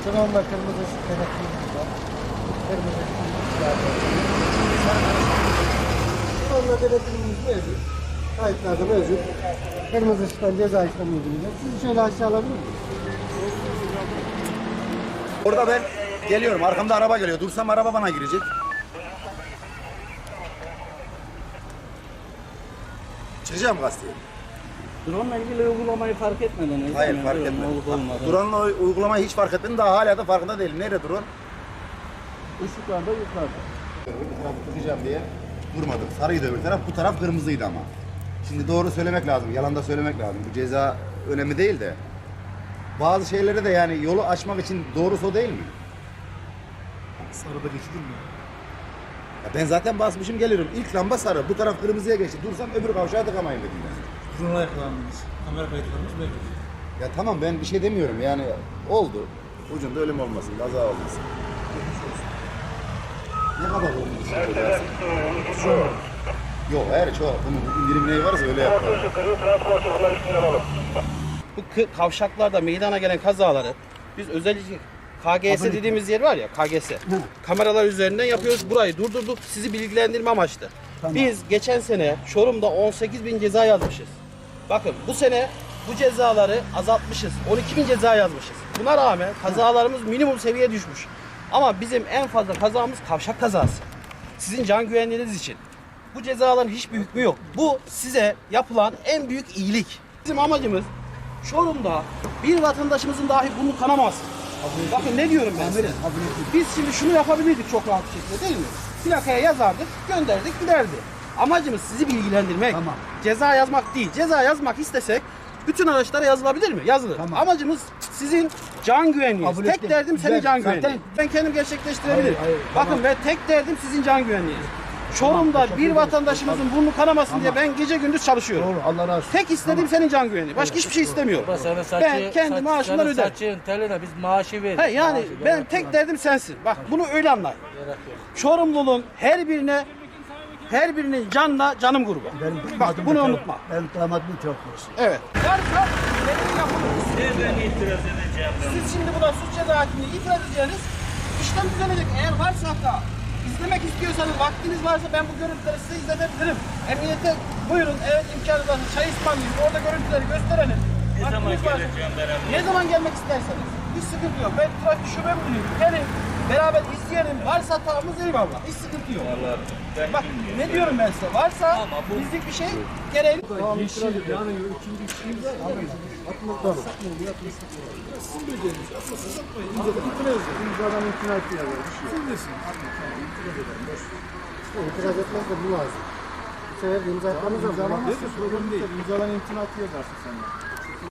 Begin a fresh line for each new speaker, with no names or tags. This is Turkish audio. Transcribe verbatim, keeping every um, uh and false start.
Şu anda kırmızı ışık telefonumuz var. Kırmızı ışık zaten. Şu anda denetimimiz mevcut. Kayıtlarda mevcut. Kırmızı ışıktan ceza işlemi uygulayacak. Sizi şöyle aşağı alabilir miyim?
Orada ben geliyorum. Arkamda araba geliyor. Dursam araba bana girecek. Çıkacağım gazeteye.
Drone'la ilgili uygulamayı fark etmediniz.
Hayır,
mi?
fark
Drone
etmedim.
olup olmadı.
Duran'la uygulamayı hiç fark etmedim. Daha hala da farkında değilim. Nerede Duran?
Işıklarda yukarıda.
Bu tarafı tutacağım diye durmadım. Sarıydı öbür taraf. Bu taraf kırmızıydı ama. Şimdi doğru söylemek lazım. Yalan da söylemek lazım. Bu ceza önemli değil de. Bazı şeylere de yani yolu açmak için doğrusu o değil mi?
Sarıda geçtin mi?
Ya ben zaten basmışım gelirim. İlk lamba sarı. Bu taraf kırmızıya geçti. Dursam öbür kavşağa tıkamayın dedim ben.
Drone'a yakalandınız. Kamera kayıtlarımız mevcut.
Ya tamam ben bir şey demiyorum yani oldu. Ucunda ölüm olmasın, kaza olmasın. Ne kadar olmuş? Yok hayır çok. Bunun indirim neyi varsa öyle yapar.
Bu kı- kavşaklarda meydana gelen kazaları biz özellikle K G S dediğimiz yer var ya, K G S. Kameralar üzerinden yapıyoruz. Burayı durdurduk. Sizi bilgilendirme amaçlı. Biz geçen sene Çorum'da on sekiz bin ceza yazmışız. Bakın bu sene bu cezaları azaltmışız. on iki bin ceza yazmışız. Buna rağmen kazalarımız minimum seviyeye düşmüş. Ama bizim en fazla kazamız kavşak kazası. Sizin can güvenliğiniz için. Bu cezaların hiçbir hükmü yok. Bu size yapılan en büyük iyilik. Bizim amacımız Çorum'da bir vatandaşımızın dahi burnu kanamasın. Bakın ne diyorum ben size. Biz şimdi şunu yapabilirdik çok rahat bir şekilde değil mi? Plakaya yazardık, gönderdik giderdi. Amacımız sizi bilgilendirmek.
Tamam.
Ceza yazmak değil. Ceza yazmak istesek bütün araçlara yazılabilir mi? Yazılır.
Tamam.
Amacımız sizin can güvenliğiniz.
Kabul
Tek
ettim.
derdim senin
Güzel.
can
Zaten-
güvenliğin. Ben kendim gerçekleştirebilirim.
Hayır, hayır,
Bakın
tamam.
ve tek derdim sizin can güvenliğiniz. Çorum'da
teşekkür
bir
ederim.
vatandaşımızın burnu kanamasın diye ben gece gündüz çalışıyorum.
Doğru, Allah razı olsun.
Tek istediğim senin can güvenliği. Başka hiçbir şey istemiyorum.
Baba sana saçı,
Ben kendi
saç-
maaşımdan
senin
öderim.
Saçın teline biz maaşı veririz.
He yani
Maaşı
ben
gerek
tek
yok.
derdim sensin. Bak bunu öyle anlayın.
Gerek yok.
Çorumluluğun her birine her birinin canla canım grubu.
Benim
Bak
damadım
bunu
da çok-
unutma.
Benim damadım çok olsun.
Evet. Varsa benim yapılır.
Ben itiraz edeceğim.
Siz şimdi buna suç ceza hakimliği itiraz edeceğiniz işlem düzenecek. Eğer varsa hatta izlemek istiyorsanız vaktiniz varsa ben bu görüntüleri size izletebilirim. Emniyete buyurun evet imkanı var. Çay ısmarlayayım orada görüntüleri gösterelim.
Ne zaman
Vaktiniz varsa-
geleceğim beraber?
Ne zaman gelmek isterseniz. Hiç sıkıntı yok. Ben trafik şube müdürüyüm. Gelin beraber izleyelim. Varsa hatamız eyvallah. Hiç sıkıntı yok.
Vallahi ben
Bak ne diyorum ben size. Varsa
Ama bu-
bizlik bir şey gereği.
Tamam, itiraz ediyor. Yani ikinci işimiz var. Atmaktan satmayın, atmasın. Sizin bileceğiniz, atmasın, satmayın. İmzada itiraz ediyor. İmzadan imtina ettiği yer var. Siz nesiniz? Tamam, itiraz ederim. Boş. İtiraz etmez de bu lazım. Bu sefer imza atmanız lazım. İmzalamazsa problem değil. İmzadan imtina atıyor dersin sen de.